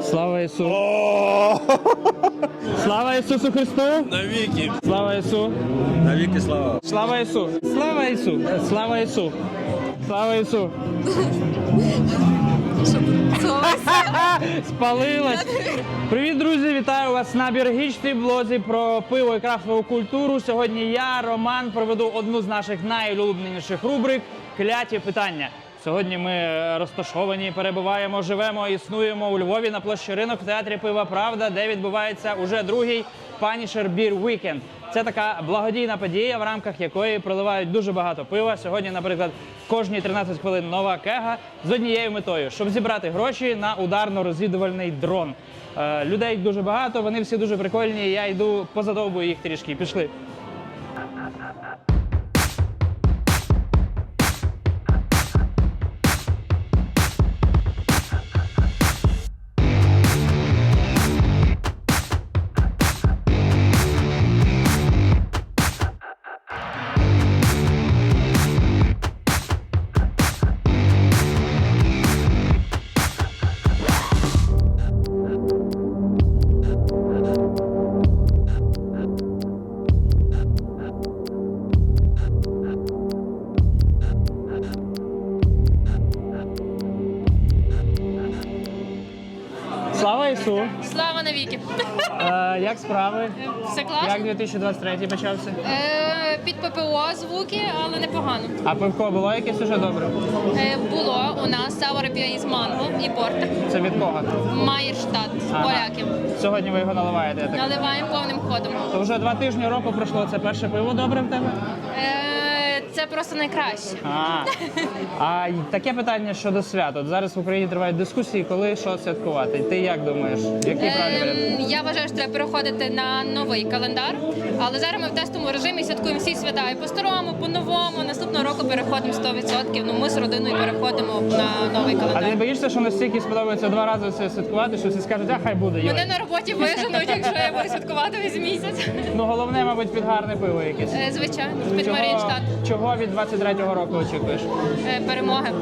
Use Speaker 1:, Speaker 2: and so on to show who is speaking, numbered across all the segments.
Speaker 1: Слава Ісу! Слава Ісусу Христу!
Speaker 2: Навіки!
Speaker 1: Слава Ісу!
Speaker 2: Навіки слава!
Speaker 1: Слава Ісу! Слава Ісу! Слава Ісу! Слава Ісу! Спалилась! Привіт, друзі! Вітаю вас на Біргічній блозі про пиво і крафтову культуру. Сьогодні я, Роман, проведу одну з наших найулюбленіших рубрик «Кляті питання». Сьогодні ми розташовані, перебуваємо, живемо, існуємо у Львові на площі Ринок в театрі Пива Правда, де відбувається уже другий Punisher Beer Weekend. Це така благодійна подія, в рамках якої проливають дуже багато пива. Сьогодні, наприклад, кожні 13 хвилин нова кега з однією метою, щоб зібрати гроші на ударно-розвідувальний дрон. Людей дуже багато, вони всі дуже прикольні, я йду позадовбую їх трішки. Пішли. Слава Ісу!
Speaker 3: Слава навіки!
Speaker 1: Як справи?
Speaker 3: Все класно?
Speaker 1: Як 2023 почався?
Speaker 3: Під ППО звуки, але непогано.
Speaker 1: А пивко було якесь уже добре?
Speaker 3: Було у нас Sour IPA із манго і порта.
Speaker 1: Це від кого?
Speaker 3: Майерштадт,
Speaker 1: Ага.
Speaker 3: поляків.
Speaker 1: Сьогодні ви його наливаєте, я так?
Speaker 3: Наливаємо повним ходом.
Speaker 1: То вже 2 тижні року пройшло, це перше пиво добре в тебе?
Speaker 3: Це просто найкраще.
Speaker 1: А таке питання щодо свят. От зараз в Україні тривають дискусії, коли що святкувати. Ти як думаєш? Який правильний варіант?
Speaker 3: Я вважаю, що треба переходити на новий календар, але зараз ми в тестовому режимі святкуємо всі свята і по-старому, по-новому. Наступного року переходимо 100%. Ну, ми з родиною переходимо на новий
Speaker 1: А ти
Speaker 3: календар.
Speaker 1: не боїшся, що настільки сподобається 2 рази це святкувати, що всі скажуть, а хай буде.
Speaker 3: Мене
Speaker 1: Йой.
Speaker 3: на роботі виженуть, якщо я буду святкувати весь місяць.
Speaker 1: Ну головне, мабуть, під гарне пиво якесь.
Speaker 3: Звичайно, під Маріїнштадт.
Speaker 1: Чого від 23-го року очікуєш?
Speaker 3: Перемоги.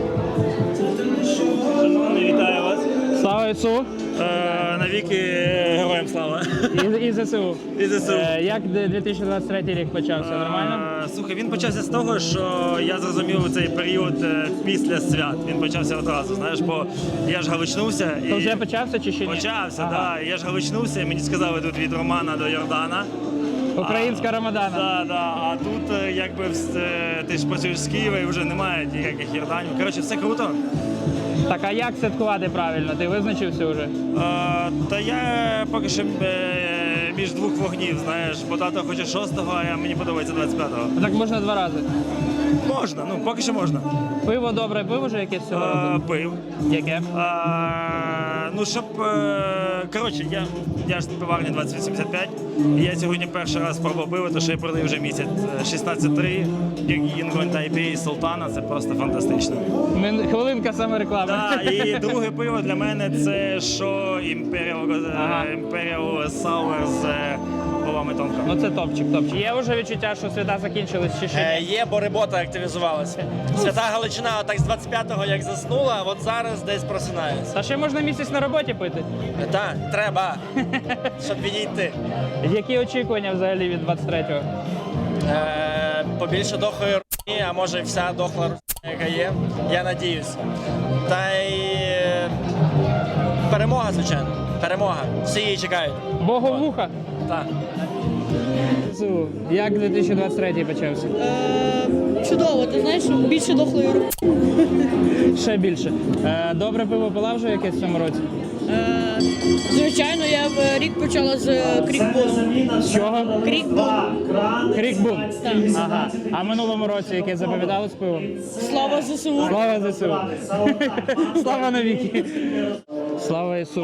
Speaker 2: Шановний, вітаю вас!
Speaker 1: Слава Ісу!
Speaker 2: Навіки героям слава!
Speaker 1: І ЗСУ.
Speaker 2: І ЗСУ.
Speaker 1: Як 2023 рік почався? Нормально?
Speaker 2: Слухай, він почався з того, що я зрозумів цей період після свят. Він почався одразу, знаєш, бо я ж галичнувся.
Speaker 1: То вже почався чи ще ні?
Speaker 2: Почався,
Speaker 1: Ага.
Speaker 2: так. Я ж галичнувся, і мені сказали тут від Романа до Йордана.
Speaker 1: Українська Рамадана.
Speaker 2: Да. А тут якби ти ж працюєш з Києва і вже немає ніяких Йорданів. Коротше, все круто.
Speaker 1: Так, а як святкувати правильно? Ти визначився вже?
Speaker 2: Та я поки що між двох вогнів, знаєш, бо тато хоче 6-го, а мені подобається 25-го.
Speaker 1: Так можна 2 рази.
Speaker 2: Можна, ну поки що можна.
Speaker 1: Пиво добре, пиво вже якесь цього року?
Speaker 2: Пив.
Speaker 1: Яке?
Speaker 2: Ну, щоб... Коротше, я ж з пиварні 2085, і я сьогодні перший раз пробував пиво, то що я продаю вже місяць. 16.3, Юнгон Тайпей Султана, це просто фантастично.
Speaker 1: Хвилинка самореклами.
Speaker 2: Так, і друге пиво для мене це що Imperial Sour з бобами тонко.
Speaker 1: Ну це топчик. Є вже відчуття, що свята закінчились чи ще ні?
Speaker 4: Є, бо робота активізувалася. Свята Галичина так з 25-го як заснула, от зараз десь просинається.
Speaker 1: Та ще можна місяць на роботі пити.
Speaker 4: Так, треба, щоб відійти.
Speaker 1: Які очікування взагалі від 23-го?
Speaker 4: Побільше дохлої руні, а може вся дохла руні, яка є, я надіюсь. Та й перемога, звичайно. Перемога. Всі її чекають.
Speaker 1: Боговуха.
Speaker 4: Так.
Speaker 1: Як 2023 почався?
Speaker 5: Чудово, ти знаєш, більше дохлої руки.
Speaker 1: Ще більше. Добре пиво пила вже якесь в цьому році?
Speaker 5: Звичайно, я в рік почала з крікбуну.
Speaker 1: З чого?
Speaker 5: Крікбун.
Speaker 1: Крікбун?
Speaker 5: Так.
Speaker 1: Ага. А в минулому році яке запам'яталось пиво?
Speaker 5: Слава ЗСУ.
Speaker 1: Слава ЗСУ! Слава навіки! Слава Ісу!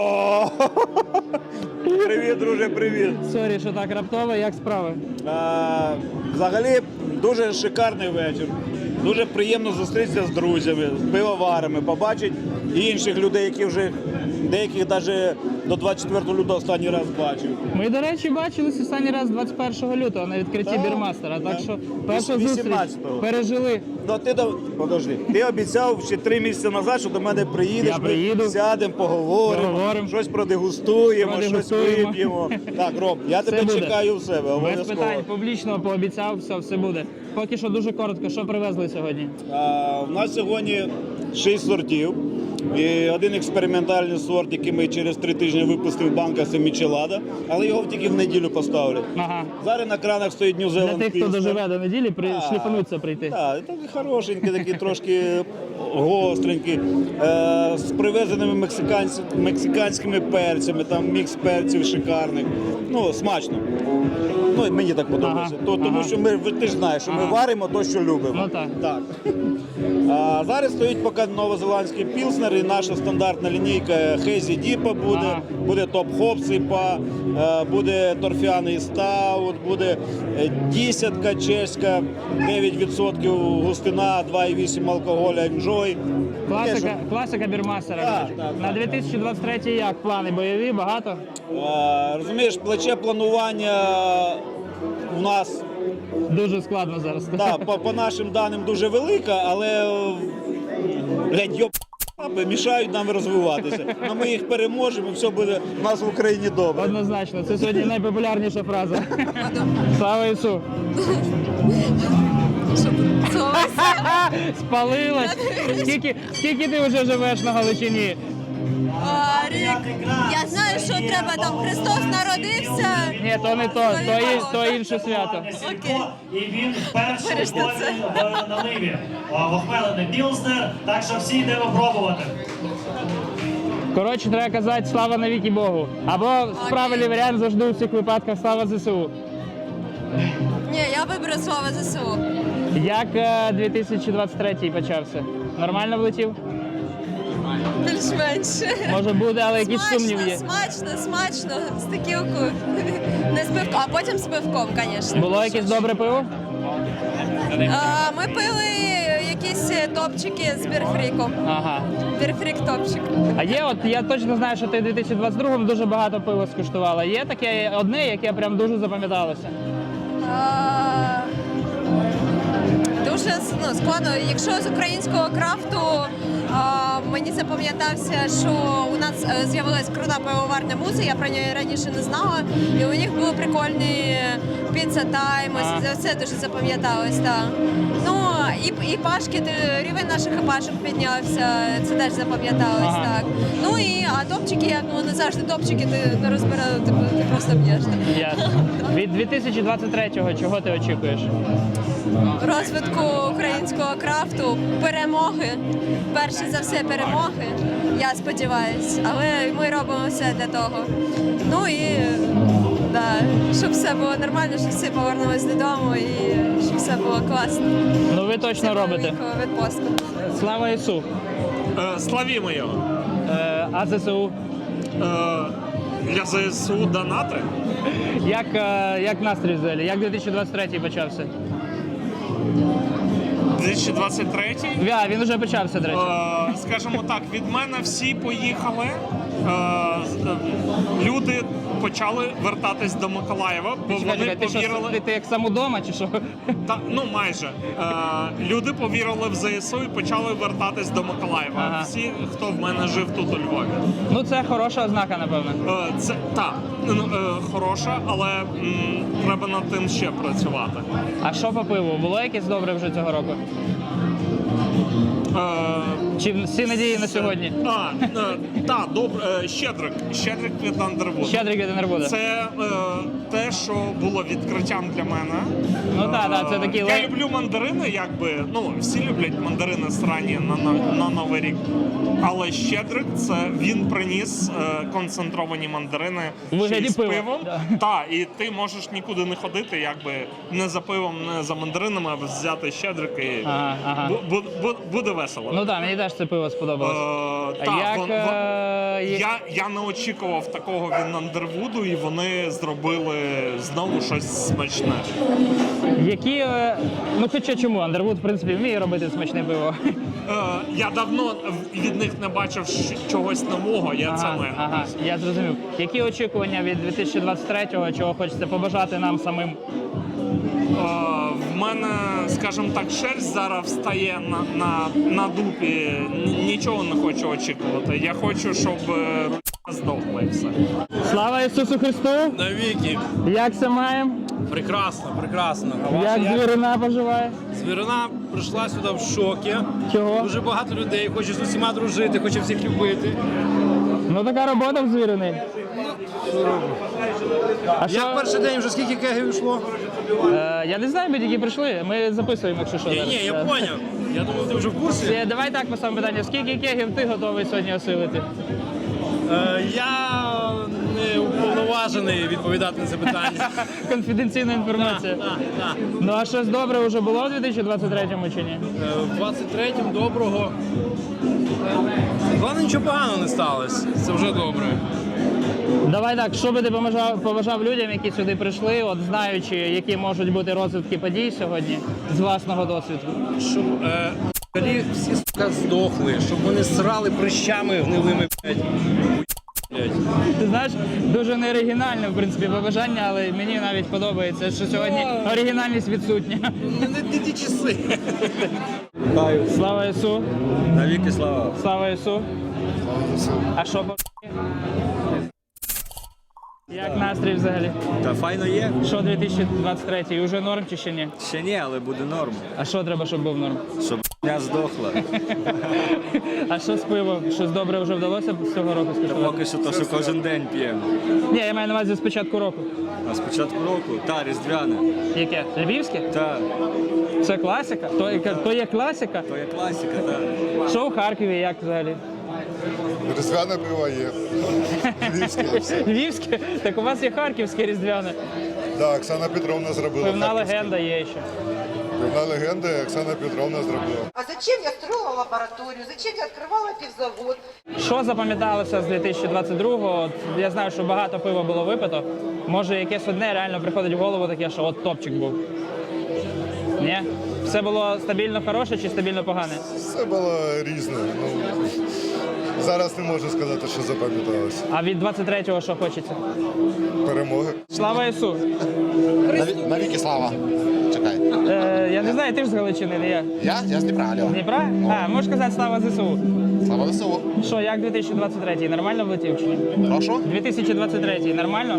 Speaker 6: Привіт, друже, привіт.
Speaker 1: Сорі, що так раптово, як справи?
Speaker 6: Взагалі дуже шикарний вечір. Дуже приємно зустрітися з друзями, з пивоварами, побачити інших людей, які вже Деяких навіть до 24 лютого останній раз бачив.
Speaker 1: Ми, до речі, бачились останній раз 21 лютого на відкритті
Speaker 6: Так,
Speaker 1: Бірмастера. Так
Speaker 6: так.
Speaker 1: що перша зустріч
Speaker 6: 18-го.
Speaker 1: пережили.
Speaker 6: Ну, подожди, ти обіцяв ще 3 місяці назад, що до мене приїдеш,
Speaker 1: Я приїду.
Speaker 6: ми сядемо, поговоримо, щось продегустуємо, щось вип'ємо. Так, Ром, я тебе
Speaker 1: буде.
Speaker 6: чекаю в себе,
Speaker 1: Без
Speaker 6: обов'язково.
Speaker 1: питань, публічно пообіцяв, все буде. Поки що дуже коротко, що привезли сьогодні?
Speaker 6: У нас сьогодні 6 сортів. І один експериментальний сорт, який ми через 3 тижні випустив банка, це Мічелада, але його тільки в неділю поставлять.
Speaker 1: Ага.
Speaker 6: Зараз на кранах стоїть New
Speaker 1: Для
Speaker 6: Zealand
Speaker 1: тих, хто
Speaker 6: Pilsner.
Speaker 1: доживе до неділі, шліфануться прийти.
Speaker 6: Так, такий хорошенький, такий трошки гостренький, з привезеними мексиканськими перцями, там мікс перців шикарних. Ну, смачно. Ну, і мені так подобається.
Speaker 1: Ага,
Speaker 6: Тому що ти ж знаєш, що ми варимо то, що любимо.
Speaker 1: Ну так.
Speaker 6: А зараз стоїть поки новозеландський пілснер і наша стандартна лінійка Хезі Діпа буде,
Speaker 1: Ага.
Speaker 6: буде Топ Хоп Сипа, буде торфяний стаут, буде десятка чеська, 9% густина, 2,8 алкоголя, Enjoy.
Speaker 1: Класика Бірмастера.
Speaker 6: Так, так,
Speaker 1: На
Speaker 6: так.
Speaker 1: 2023 як? Плани бойові, багато?
Speaker 6: Розумієш, плече планування у нас
Speaker 1: Дуже складно зараз.
Speaker 6: да, по нашим даним дуже велика, але блядь, йоп, мішають нам розвиватися. Но ми їх переможемо, і все буде у нас в Україні добре.
Speaker 1: Однозначно, це сьогодні найпопулярніша фраза. Слава Ісу! Спалилась! Скільки ти вже живеш на Галичині?
Speaker 7: Рік. Я знаю, що треба там. Христос народився.
Speaker 1: Ні, то не то інше свято.
Speaker 7: Окей.
Speaker 8: І він перший
Speaker 7: Виріште це.
Speaker 8: в наливі. Охмелений Пілснер, так що всі йдемо пробувати.
Speaker 1: Коротше, треба казати слава навіки Богу. Або правильний варіант завжди у цих випадках слава ЗСУ.
Speaker 7: Ні, я виберу слово ЗСУ.
Speaker 1: Як 2023 почався? Нормально влетів?
Speaker 7: Більш-менш.
Speaker 1: Може буде, але якісь сумніви є.
Speaker 7: Смачно, з такілкою. Не з пивком, а потім з пивком, звісно.
Speaker 1: Було якесь добре пиво?
Speaker 7: Ми пили якісь топчики з бірфріком.
Speaker 1: Ага.
Speaker 7: Бірфрік топчик.
Speaker 1: А є, от я точно знаю, що ти в 2022-му дуже багато пива скуштувала. Є таке одне, яке прям дуже запам'яталося?
Speaker 7: Дуже складно. Якщо з українського крафту, мені запам'ятався, що у нас з'явилась крута пивоварня Муза, я про неї раніше не знала. І у них були прикольні піца тайм, це дуже запам'яталось. Так. Ну, і пашки, рівень наших пашок піднявся, це теж запам'яталось.
Speaker 1: Ага.
Speaker 7: Так. Ну а топчики, як вони завжди топчики, ти не розбирав, ти просто б'єш.
Speaker 1: Ясно. Від 2023-го чого ти очікуєш?
Speaker 7: Розвитку українського крафту, перемоги. Перше за все перемоги, я сподіваюся. Але ми робимо все для того. Ну і щоб все було нормально, щоб всі повернулись додому і щоб все було класно.
Speaker 1: Ну ви точно робите.
Speaker 7: Відпустку.
Speaker 1: Слава Ісу!
Speaker 9: Славімо його.
Speaker 1: А ЗСУ?
Speaker 9: Для ЗСУ донати.
Speaker 1: Як настрій взагалі? Як 2023 почався?
Speaker 9: 2023.
Speaker 1: Він вже почався, до речі.
Speaker 9: Скажімо так, від мене всі поїхали. Люди почали вертатись до Миколаєва, бо вони
Speaker 1: Ти що,
Speaker 9: повірили.
Speaker 1: ти як сам удома чи що?
Speaker 9: Ну майже люди повірили в ЗСУ і почали вертатись до Миколаєва.
Speaker 1: Ага.
Speaker 9: Всі, хто в мене жив тут у Львові.
Speaker 1: Ну це хороша ознака, напевно.
Speaker 9: Це хороша, але треба над тим ще працювати.
Speaker 1: А що по пиву? Було якесь добре вже цього року? Чи всі надії на сьогодні?
Speaker 9: Так, добре. Щедрик від Андервуд.
Speaker 1: Щедрик від Андервуда.
Speaker 9: Це те, що було відкриттям для мене.
Speaker 1: Ну так, це такі
Speaker 9: Я люблю мандарини, якби, всі люблять мандарини срані на Новий рік. Але Щедрик, він приніс концентровані мандарини
Speaker 1: У вигляді
Speaker 9: ще й з
Speaker 1: пива.
Speaker 9: пивом.
Speaker 1: Да.
Speaker 9: Так, і ти можеш нікуди не ходити, якби не за пивом, не за мандаринами, а взяти Щедрик і
Speaker 1: Ага.
Speaker 9: буде весело.
Speaker 1: Ну так, мені теж це пиво сподобалось.
Speaker 9: Так,
Speaker 1: Як
Speaker 9: я не очікував такого від Андервуду, і вони зробили знову щось смачне.
Speaker 1: які, ну хоча чому? Андервуд, в принципі, вміє робити смачне пиво.
Speaker 9: Я давно від них не бачив чогось нового, це маю.
Speaker 1: Ага, я зрозумів. Які очікування від 2023-го, чого хочеться побажати нам самим?
Speaker 9: В мене, скажімо так, шерсть зараз встає на дупі. Нічого не хочу очікувати. Я хочу, щоб руля здохла і все.
Speaker 1: Слава Ісусу Христу!
Speaker 10: Навіки.
Speaker 1: Як це маємо?
Speaker 10: Прекрасно, прекрасно. А
Speaker 1: Як
Speaker 10: ваша
Speaker 1: звірина поживає?
Speaker 10: Звірина прийшла сюди в шокі.
Speaker 1: Чого?
Speaker 10: Дуже багато людей, хоче з усіма дружити, хоче всіх любити.
Speaker 1: Ну така робота в звірини. А що?
Speaker 10: Як перший день вже скільки кегів йшло?
Speaker 1: Я не знаю, ми тільки прийшли. Ми записуємо, якщо що. зараз.
Speaker 10: Ні, я поняв. Я думав, ти вже в курсі.
Speaker 1: Давай так поставимо питання. Скільки кегів ти готовий сьогодні осилити?
Speaker 10: Я не уповноважений відповідати на це питання.
Speaker 1: Конфіденційна інформація.
Speaker 10: Так.
Speaker 1: Ну а щось добре вже було в 2023-му чи ні?
Speaker 10: В 23-м доброго. Головне, нічого поганого не сталося. Це вже добре.
Speaker 1: Давай так, що би ти побажав людям, які сюди прийшли, от знаючи, які можуть бути розвитки подій сьогодні з власного досвіду?
Speaker 10: Щоб всі сука здохли, щоб вони срали прищами гнилими, блядь.
Speaker 1: Ти знаєш, дуже неоригінальне, в принципі, побажання, але мені навіть подобається, що сьогодні оригінальність відсутня.
Speaker 10: Не ті часи.
Speaker 1: Слава Ісу!
Speaker 10: Навіки слава.
Speaker 1: Слава Ісу! А що по як настрій взагалі?
Speaker 11: Та файно є.
Speaker 1: Що 2023? Уже норм чи ще ні?
Speaker 11: Ще ні, але буде норм.
Speaker 1: А що треба, щоб був норм?
Speaker 11: Щоб не здохла.
Speaker 1: А що з пивом? Щось добре вже вдалося з цього року скуштувати?
Speaker 11: Поки що то, що кожен день п'ємо.
Speaker 1: Ні, я маю на увазі з початку року.
Speaker 11: А з початку року, різдвяне.
Speaker 1: Яке? Львівське?
Speaker 11: Та,
Speaker 1: Це класика? То є класика?
Speaker 11: то є класика, та.
Speaker 1: Що у Харкові, як взагалі?
Speaker 12: Різдвяне пиво є. Львівське.
Speaker 1: Львівське? Так у вас є харківське різдвяне.
Speaker 12: Так, Оксана Петровна зробила.
Speaker 1: Певна
Speaker 12: харківське.
Speaker 1: легенда є ще.
Speaker 12: Певна легенда, Оксана Петровна зробила.
Speaker 13: А зачем я строила лабораторию? Зачем я открывала пивзавод?
Speaker 1: Що запам'яталося з 2022-го? От я знаю, що багато пива було випито. Може, якесь одне реально приходить в голову таке, що от топчик був. Ні? Все було стабільно хороше чи стабільно погане?
Speaker 12: Все було різне. Зараз не можу сказати, що запам'яталося.
Speaker 1: А від 23-го що хочеться?
Speaker 12: Перемоги.
Speaker 1: Слава Ісу!
Speaker 12: Навіки слава. Чекай.
Speaker 1: Я не знаю, ти ж з Галичини, не я.
Speaker 12: Я з Дніпра, Альо.
Speaker 1: Дніпра? А, можеш сказати слава ЗСУ.
Speaker 12: Слава ЗСУ.
Speaker 1: Що, як 2023? Нормально влетів чи ні?
Speaker 12: Прошу?
Speaker 1: 2023 нормально?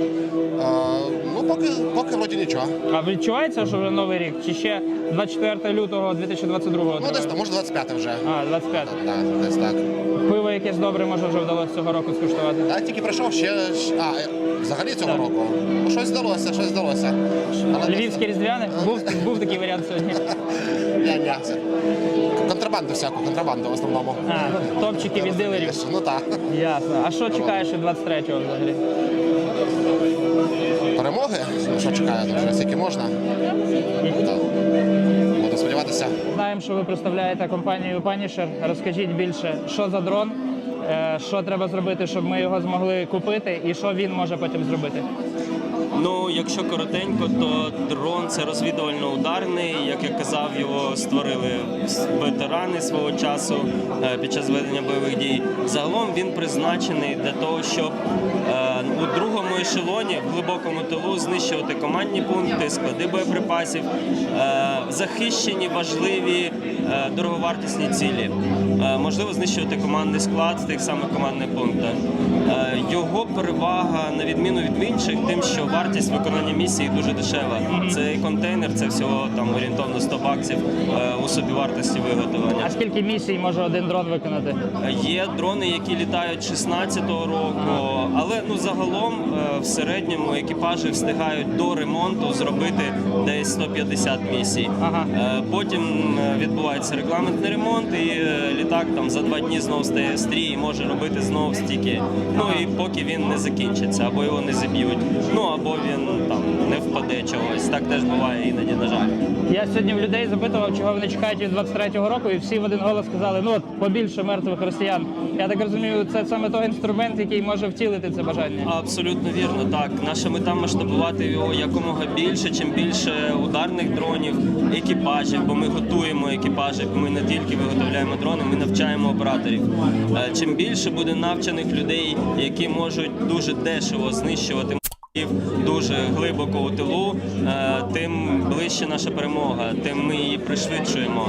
Speaker 12: Поки вроді нічого.
Speaker 1: А відчувається, що вже новий рік? Чи ще 24 лютого 2022?
Speaker 12: Може 25 вже.
Speaker 1: А, 25.
Speaker 12: Так, десь так.
Speaker 1: Пиво якесь добре, може, вже вдалося цього року скуштувати.
Speaker 12: Я тільки прийшов взагалі цього року. Щось вдалося.
Speaker 1: Львівське різдвяне? Був такий варіант сьогодні.
Speaker 12: Ні, це контрабанду в основному.
Speaker 1: А, топчики від дилерів.
Speaker 12: Ну так.
Speaker 1: Ясно. А що чекаєш від 23-го взагалі?
Speaker 12: Перемоги? Що чекаю, вже скільки можна. Буду сподіватися.
Speaker 1: Знаємо, що ви представляєте компанію Punisher. Розкажіть більше, що за дрон, що треба зробити, щоб ми його змогли купити, і що він може потім зробити.
Speaker 14: Ну, якщо коротенько, то дрон – це розвідувально-ударний. Як я казав, його створили ветерани свого часу під час ведення бойових дій. Загалом він призначений для того, щоб у другому ешелоні, в глибокому тилу, знищувати командні пункти, склади боєприпасів, захищені, важливі, дороговартісні цілі. Можливо, знищувати командний склад в тих самих командних пунктах. Його перевага, на відміну від інших, тим, що вартість виконання місії дуже дешева. Цей контейнер, це всього там орієнтовно 100 баксів у собівартості виготовлення.
Speaker 1: А скільки місій може один дрон виконати?
Speaker 14: Є дрони, які літають 16-го року, було. Але ну загалом в середньому екіпажі встигають до ремонту зробити десь 150 місій. Потім відбувається регламентний ремонт, і літак там за 2 дні знову стає стрій і може робити знову стільки. Ну і поки він не закінчиться, або його не зіб'ють, ну або він там не впаде чогось. Так теж буває іноді, на жаль.
Speaker 1: Я сьогодні в людей запитував, чого вони чекають від 23-го року, і всі в один голос сказали, ну от побільше мертвих росіян. Я так розумію, це саме той інструмент, який може втілити це бажання.
Speaker 14: Абсолютно вірно, так. Наша мета масштабувати його якомога більше, чим більше ударних дронів, екіпажів, бо ми готуємо екіпажі, ми не тільки виготовляємо дрони, ми навчаємо операторів. Чим більше буде навчених людей, які можуть дуже дешево знищувати дуже глибоко у тилу, тим ближче наша перемога, тим ми її пришвидшуємо.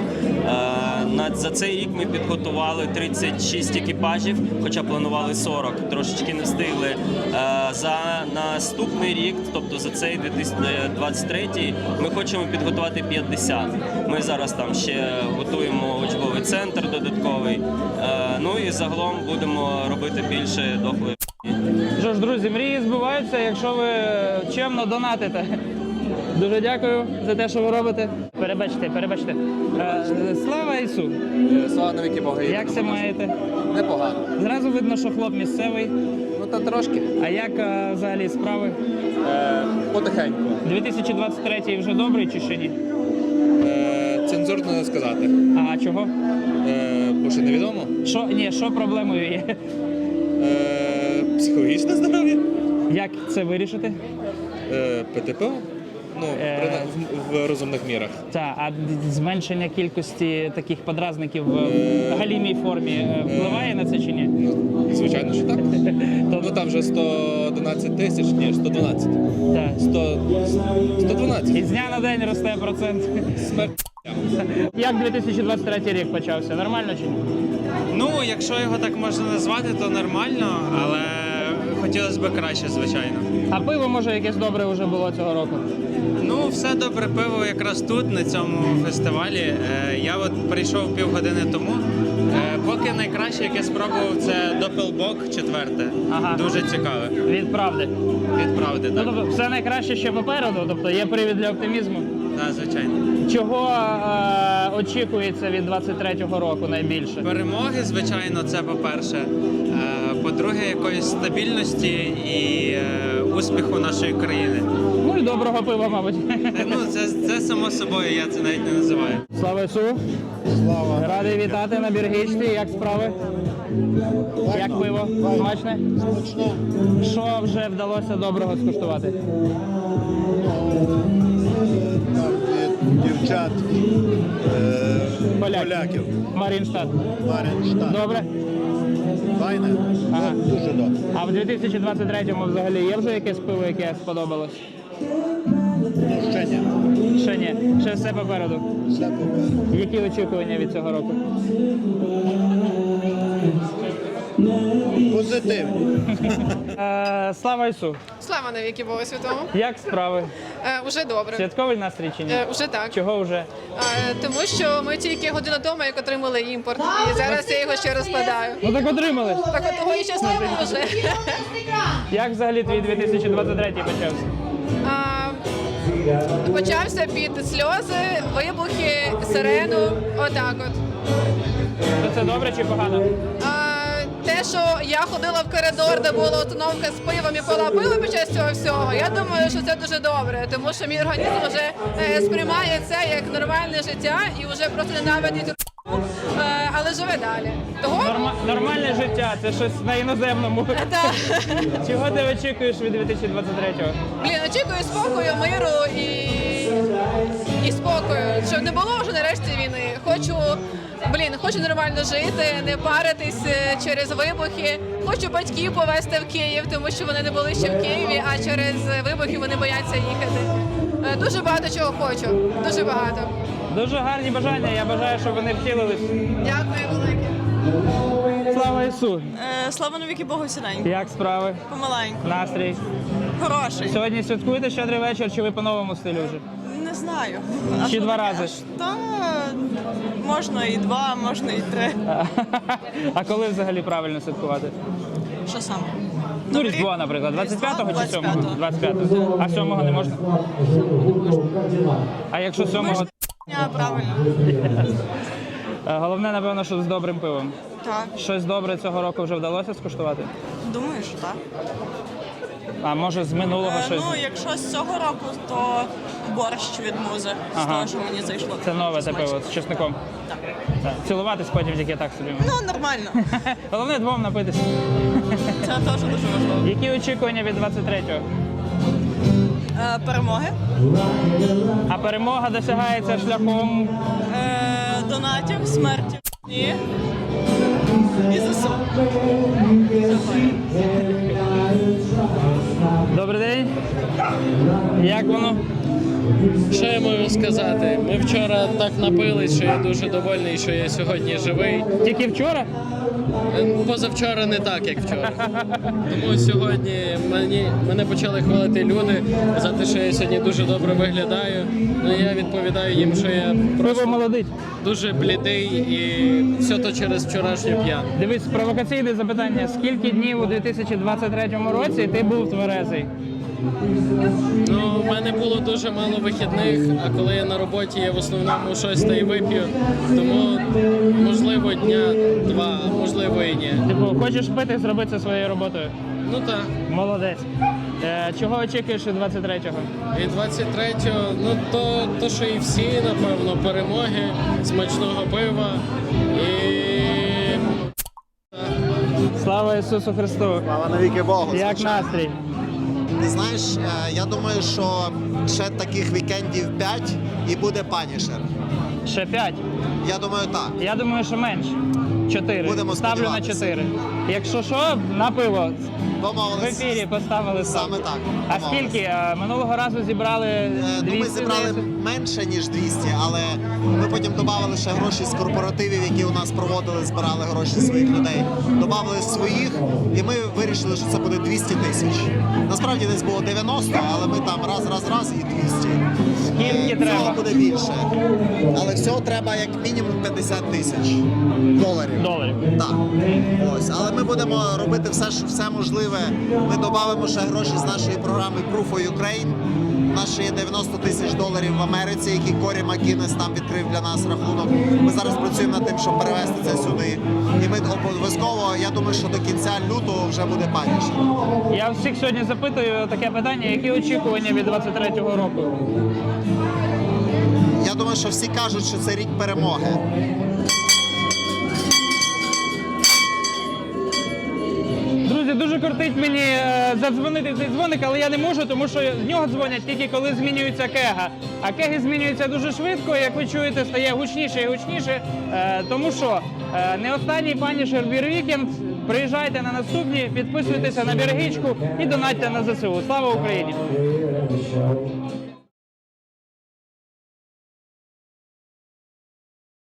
Speaker 14: За цей рік ми підготували 36 екіпажів, хоча планували 40, трошечки не встигли. За наступний рік, тобто за цей 2023, ми хочемо підготувати 50. Ми зараз там ще готуємо учбовий центр додатковий, ну і загалом будемо робити більше дохлої.
Speaker 1: Що ж, друзі, мрії збуваються, якщо ви чемно донатите. Дуже дякую за те, що ви робите. Перебачте. Слава Ісу!
Speaker 10: Слава навіки Бога.
Speaker 1: Як це маєте?
Speaker 10: Непогано.
Speaker 1: Зразу видно, що хлоп місцевий.
Speaker 10: Ну та трошки.
Speaker 1: А як взагалі справи?
Speaker 10: Потихеньку.
Speaker 1: 2023 вже добрий чи ще ні?
Speaker 10: Цензурно не сказати.
Speaker 1: А чого?
Speaker 10: Бо ще невідомо.
Speaker 1: Що проблемою є?
Speaker 10: Психологічне здоров'я.
Speaker 1: Як це вирішити?
Speaker 10: ПТП. Ну, в розумних мірах.
Speaker 1: Так, а зменшення кількості таких подразників в галімій формі впливає на це чи ні?
Speaker 10: Ну, звичайно, що так. Ну там вже 111 тисяч, ні, 112.
Speaker 1: Так.
Speaker 10: 112.
Speaker 1: І з дня на день росте процент.
Speaker 10: Смерть.
Speaker 1: Як 2023 рік почався? Нормально чи ні?
Speaker 15: Ну, якщо його так можна назвати, то нормально, але хотілося б краще, звичайно.
Speaker 1: А пиво, може, якесь добре вже було цього року?
Speaker 15: Ну, все добре пиво якраз тут, на цьому фестивалі. Я от прийшов півгодини тому. Поки найкраще, яке спробував, це Doppelbock 4. Дуже цікаве.
Speaker 1: Від правди?
Speaker 15: Від правди, так.
Speaker 1: Ну, тобто, все найкраще ще попереду, тобто є привід для оптимізму?
Speaker 15: Так, звичайно.
Speaker 1: Чого очікується від 23-го року найбільше?
Speaker 15: Перемоги, звичайно, це по-перше. По-друге, якоїсь стабільності і успіху нашої країни.
Speaker 1: Ну і доброго пива, мабуть.
Speaker 15: Ну, це само собою, я це навіть не називаю.
Speaker 1: Слава Ісу! Слава! Радий вітати на Біргичці. Як справи? Як пиво? Смачне?
Speaker 16: Смачне.
Speaker 1: Що вже вдалося доброго скуштувати?
Speaker 16: Там дівчат поляків.
Speaker 1: Марінштадт.
Speaker 16: Марінштадт.
Speaker 1: Добре?
Speaker 16: Файне?
Speaker 1: Ага.
Speaker 16: Дуже добре.
Speaker 1: А в 2023-му взагалі є вже якесь пиво, яке сподобалось?
Speaker 16: Ще ні.
Speaker 1: Ще ні. Ще все попереду.
Speaker 16: Все попереду.
Speaker 1: Які очікування від цього року?
Speaker 16: Позитивні.
Speaker 1: Слава Ісу!
Speaker 17: Слава навіки Богу Святому.
Speaker 1: Як справи?
Speaker 17: Уже добре.
Speaker 1: Святковий настрій чи ні?
Speaker 17: Уже так.
Speaker 1: Чого вже?
Speaker 17: Тому що ми тільки годину тому, як отримали імпорт, і зараз я його ще розкладаю.
Speaker 1: Ну так отримали.
Speaker 17: Так от того і щасливо вже.
Speaker 1: Як взагалі твій 2023 почався?
Speaker 17: Почався під сльози, вибухи, сирену, отак от.
Speaker 1: Це добре чи погано?
Speaker 17: Те, що я ходила в коридор, де була установка з пивом і пила пиво під час цього всього, я думаю, що це дуже добре, тому що мій організм вже сприймає це як нормальне життя і вже просто ненавидить але живе далі. Того?
Speaker 1: Нормальне життя, це щось на іноземному.
Speaker 17: Так.
Speaker 1: Чого ти очікуєш від 2023-го?
Speaker 17: Очікую спокою, миру і спокою, щоб не було вже нарешті війни. Хочу нормально жити, не паритись через вибухи. Хочу батьків повезти в Київ, тому що вони не були ще в Києві, а через вибухи вони бояться їхати. Дуже багато чого хочу, дуже багато.
Speaker 1: Дуже гарні бажання, я бажаю, щоб вони втілились.
Speaker 17: Дякую велике.
Speaker 1: Слава Ісу!
Speaker 5: Слава навіки Богу сіденько.
Speaker 1: Як справи?
Speaker 5: Помаленьку.
Speaker 1: Настрій?
Speaker 5: Хороший.
Speaker 1: Сьогодні святкуєте щедрий вечір, чи ви по новому стилю вже?
Speaker 5: Не знаю.
Speaker 1: Чи 2 рази?
Speaker 5: Та можна і 2, можна і 3.
Speaker 1: А коли взагалі правильно святкувати?
Speaker 5: Що саме?
Speaker 1: Ну, Різдво, наприклад, 25-го чи 7-го? 25-го. А 7-го не можна? А якщо 7-го?
Speaker 5: Правильно.
Speaker 1: Головне, напевно, що з добрим пивом.
Speaker 5: Так.
Speaker 1: Щось добре цього року вже вдалося скуштувати?
Speaker 5: Думаю, що так.
Speaker 1: А може з минулого щось?
Speaker 5: Ну, якщо з цього року, то борщ від музи. З того, що мені зайшло.
Speaker 1: Це нове те пиво з чесником?
Speaker 5: Так.
Speaker 1: Так. Цілуватись потім тільки так собі.
Speaker 5: Ну, нормально.
Speaker 1: Головне двом напитися.
Speaker 5: Це теж дуже важливо.
Speaker 1: Які очікування від 23-го?
Speaker 5: Перемоги.
Speaker 1: А перемога досягається шляхом?
Speaker 5: Донатів, смерті. І ЗСУ.
Speaker 1: Добрий день. Як воно?
Speaker 18: Що я можу сказати? Ми вчора так напились, що я дуже довольний, що я сьогодні живий.
Speaker 1: Тільки вчора?
Speaker 18: Позавчора не так, як вчора. Тому сьогодні мене почали хвалити люди за те, що я сьогодні дуже добре виглядаю. Ну я відповідаю їм, що я просто дуже блідий і все то через вчорашню п'яну.
Speaker 1: Дивись, провокаційне запитання. Скільки днів у 2023 році ти був тверезий?
Speaker 18: Ну, в мене було дуже мало вихідних, а коли я на роботі, я в основному щось та й вип'ю. Тому, можливо, дня два, а можливо і ні.
Speaker 1: Типу, хочеш пити, зроби це своєю роботою?
Speaker 18: Ну так.
Speaker 1: Молодець. Чого очікуєш від 23-го?
Speaker 18: Від 23-го, ну то, що і всі, напевно, перемоги, смачного пива і...
Speaker 1: Слава Ісусу Христу!
Speaker 19: Слава навіки Богу!
Speaker 1: Як настрій?
Speaker 19: Ти знаєш, я думаю, що ще таких вікендів 5 і буде Punisher.
Speaker 1: Ще 5?
Speaker 19: Я думаю, так.
Speaker 1: Я думаю, що менше. 4.
Speaker 19: Будемо
Speaker 1: Ставлю на
Speaker 19: сподіватися.
Speaker 1: 4. Якщо що, на пиво. В ефірі поставили ставку.
Speaker 19: Саме так.
Speaker 1: А скільки? Минулого разу зібрали 200?
Speaker 19: Ну, ми зібрали менше, ніж 200, але ми потім додали ще гроші з корпоративів, які у нас проводили, збирали гроші своїх людей. Додали своїх, і ми вирішили, що це буде 200 тисяч. Насправді десь було 90, але ми там раз і 200.
Speaker 1: Скільки треба?
Speaker 19: Всього буде більше. Але всього треба як мінімум 50 тисяч доларів. Так. Ось. Але ми будемо робити все можливе. Ми додамо ще гроші з нашої програми Proof for Ukraine. У нас ще є 90 тисяч доларів в Америці, які Корі Макінес там відкрив для нас рахунок. Ми зараз працюємо над тим, щоб перевести це сюди. І ми обов'язково, я думаю, що до кінця лютого вже буде Punisher.
Speaker 1: Я всіх сьогодні запитую таке питання, які очікування від 23-го року?
Speaker 19: Я думаю, що всі кажуть, що це рік перемоги.
Speaker 1: Друзі, дуже кортить мені задзвонити в цей дзвоник, але я не можу, тому що з нього дзвонять тільки коли змінюється кега. А кеги змінюються дуже швидко, як ви чуєте, стає гучніше і гучніше. Тому що не останній Punisher Beer Weekend. Приїжджайте на наступні, підписуйтеся на Біргичку і донатьте на ЗСУ. Слава Україні!